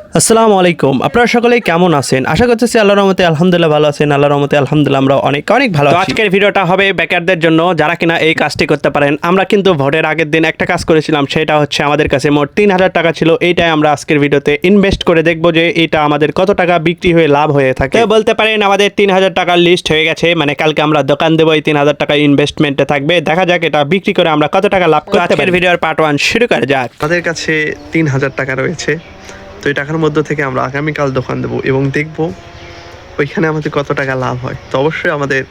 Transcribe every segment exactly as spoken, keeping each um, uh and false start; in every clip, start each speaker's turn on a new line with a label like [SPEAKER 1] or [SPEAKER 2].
[SPEAKER 1] আসসালামু আলাইকুম। আপনারা সকলেই কেমন আছেন? আশা করতেছি আল্লাহর রহমতে আলহামদুলিল্লাহ ভালো আছেন। আল্লাহর রহমতে আলহামদুলিল্লাহ আমরা অনেক অনেক ভালো আছি। আজকের ভিডিওটা হবে বেকারদের জন্য, যারা কিনা এই কাজটি করতে পারেন। আমরা কিন্তু ভোটের আগের দিন একটা কাজ করেছিলাম, সেটা হচ্ছে আমাদের কাছে মোট তিন হাজার টাকা ছিল। এইটাই আমরা আজকের ভিডিওতে ইনভেস্ট করে দেখবো যে এটা আমাদের কত টাকা বিক্রি হয়ে লাভ হয়ে থাকে। তো বলতে পারেন আমাদের তিন হাজার টাকার লিস্ট হয়ে গেছে, মানে কালকে আমরা দোকান দেবো, এই তিন হাজার টাকা ইনভেস্টমেন্টে থাকবে। দেখা যাক এটা বিক্রি করে আমরা কত টাকা লাভ করতে পারি। ভিডিওর পার্ট ওয়ান শুরু করা যাক।
[SPEAKER 2] আমাদের কাছে তিন হাজার টাকা রয়েছে, তো এই টাকার মধ্য থেকে আমরা আগামীকাল দোকান দেবো এবং দেখব ওইখানে আমাদের কত টাকা লাভ হয়। তো অবশ্যই আমাদের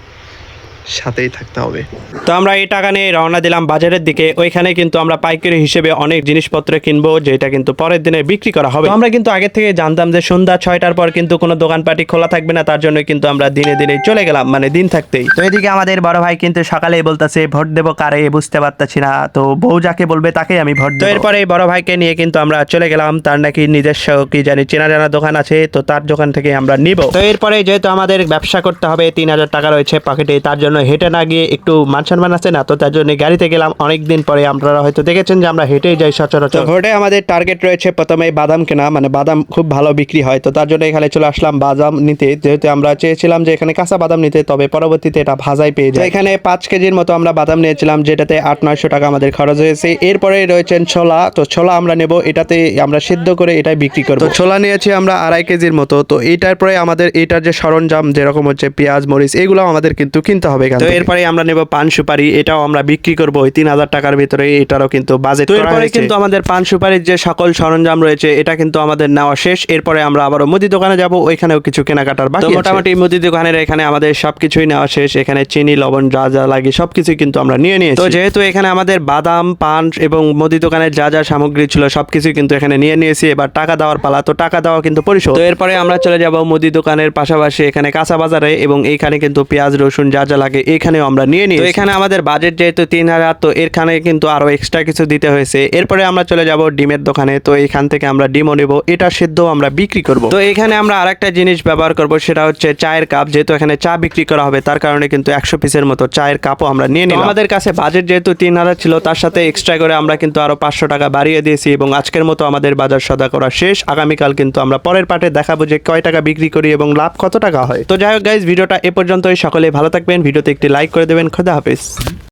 [SPEAKER 2] সাথেই থাকতে হবে।
[SPEAKER 1] তো আমরা এই টাকা নিয়ে রওনা দিলাম বাজারের দিকে। ওইখানে কিন্তু আমরা পাইকারি হিসেবে অনেক জিনিসপত্র কিনবো, যেটা কিন্তু পরের দিনে বিক্রি করা হবে। তো আমরা কিন্তু আগে থেকে জানতাম যে সন্ধ্যা ছয়টার পর কিন্তু কোনো দোকানপাটি খোলা থাকবে না, তার জন্য কিন্তু আমরা দিনে দিনে চলে গেলাম, মানে দিন থাকতেই। তো এদিকে আমাদের বড় ভাই কিন্তু সকালেই বলতেছে ভোট দেবো কারে বুঝতে পারতাছি না, তো বউ যাকে বলবে তাকেই আমি ভোট দেবো। তো এরপরে এই বড় ভাইকে নিয়ে কিন্তু আমরা চলে গেলাম, তার নাকি নিজস্ব কি জানি চেনা জানা দোকান আছে, তো তার দোকান থেকে আমরা নিব। তো এরপরে যেহেতু আমাদের ব্যবসা করতে হবে, তিন হাজার টাকা রয়েছে পকেটে, তার জন্য হেঁটে না গিয়ে একটু মান সম্মান আছে না, তো তার জন্য গাড়িতে গেলাম। অনেকদিন পরে আপনারা হয়তো দেখেছেন যে আমরা হেঁটেই যাই সচরাচর। ভোটে আমাদের টার্গেট রয়েছে প্রথমে বাদাম কেনা, মানে বাদাম খুব ভালো বিক্রি হয়, তো তার জন্য এখানে চলে আসলাম বাদাম নিতে। যেহেতু আমরা চেয়েছিলাম যে এখানে কাঁচা বাদাম নিতে, তবে পরবর্তীতে এটা ভাজাই পেয়ে যায়। এখানে পাঁচ কেজির মতো আমরা বাদাম নিয়েছিলাম, যেটাতে আট নয়শো টাকা আমাদের খরচ হয়েছে। এরপরে রয়েছেন ছোলা, তো ছোলা আমরা নেব, এটাতে আমরা সিদ্ধ করে এটাই বিক্রি করবো। তো ছোলা নিয়েছি আমরা আড়াই কেজির মতো। তো এইটার পরে আমাদের এটার যে সরঞ্জাম যেরকম হচ্ছে পেঁয়াজ মরিচ, এগুলো আমাদের কিন্তু কিনতে হবে। তো এরপরে আমরা নেব পান সুপারি, এটাও আমরা বিক্রি করবো ওই তিন হাজার টাকার ভিতরে, এটারও কিন্তু বাজেট করা হয়েছে। কিন্তু আমাদের পান সুপারির যে সকল সরঞ্জাম রয়েছে এটা কিন্তু আমাদের নেওয়া শেষ। এরপরে আমরা আবারও মুদি দোকানে যাব, ওইখানেও কিছু কেনাকাটার বাকি। মোটামুটি মুদি দোকানের এখানে আমাদের সবকিছুই নেওয়া শেষ। এখানে চিনি লবণ যা যা লাগে সবকিছু কিন্তু আমরা নিয়ে নিয়েছি। তো যেহেতু এখানে আমাদের বাদাম পান এবং মুদি দোকানের যা যা সামগ্রী ছিল সবকিছু কিন্তু এখানে নিয়ে নিয়েছি। এবার টাকা দেওয়ার পালা, তো টাকা দেওয়া কিন্তু পরিশোধ। তো এরপরে আমরা চলে যাব মুদি দোকানের পাশাপাশি এখানে কাঁচা বাজারে, এবং এইখানে কিন্তু পেঁয়াজ রসুন যা যা লাগে এখানেও আমরা নিয়ে নিই। তো এখানে আমাদের বাজেট যেহেতু তিন হাজার, তো এখানে কিন্তু আরো এক্সট্রা কিছু দিতে হয়েছে। এরপরে আমরা চলে যাব ডিমের দোকানে, তো এখান থেকে আমরা ডিমও নেব, এটা সিদ্ধ আমরা বিক্রি করব। তো এখানে আমরা আরেকটা জিনিস ব্যবহার করব, সেটা হচ্ছে চায়ের কাপ। যেহেতু এখানে চা বিক্রি করা হবে, তার কারণে কিন্তু একশো পিসের মতো চায়ের কাপও আমরা নিয়ে নিলাম। আমাদের কাছে বাজেট যেহেতু তিন হাজার ছিল, তার সাথে এক্সট্রা করে আমরা কিন্তু আরো পাঁচশো টাকা বাড়িয়ে দিয়েছি, এবং আজকের মতো আমাদের বাজার সদা করা শেষ। আগামীকাল কিন্তু আমরা পরের পার্টে দেখাবো যে কয় টাকা বিক্রি করি এবং লাভ কত টাকা হয়। তো যাই হোক গাইজ, ভিডিওটা এ পর্যন্তই। সকলে ভালো থাকবেন, ভিডিওতে একটি লাইক করে দেবেন। খোদা হাফেজ।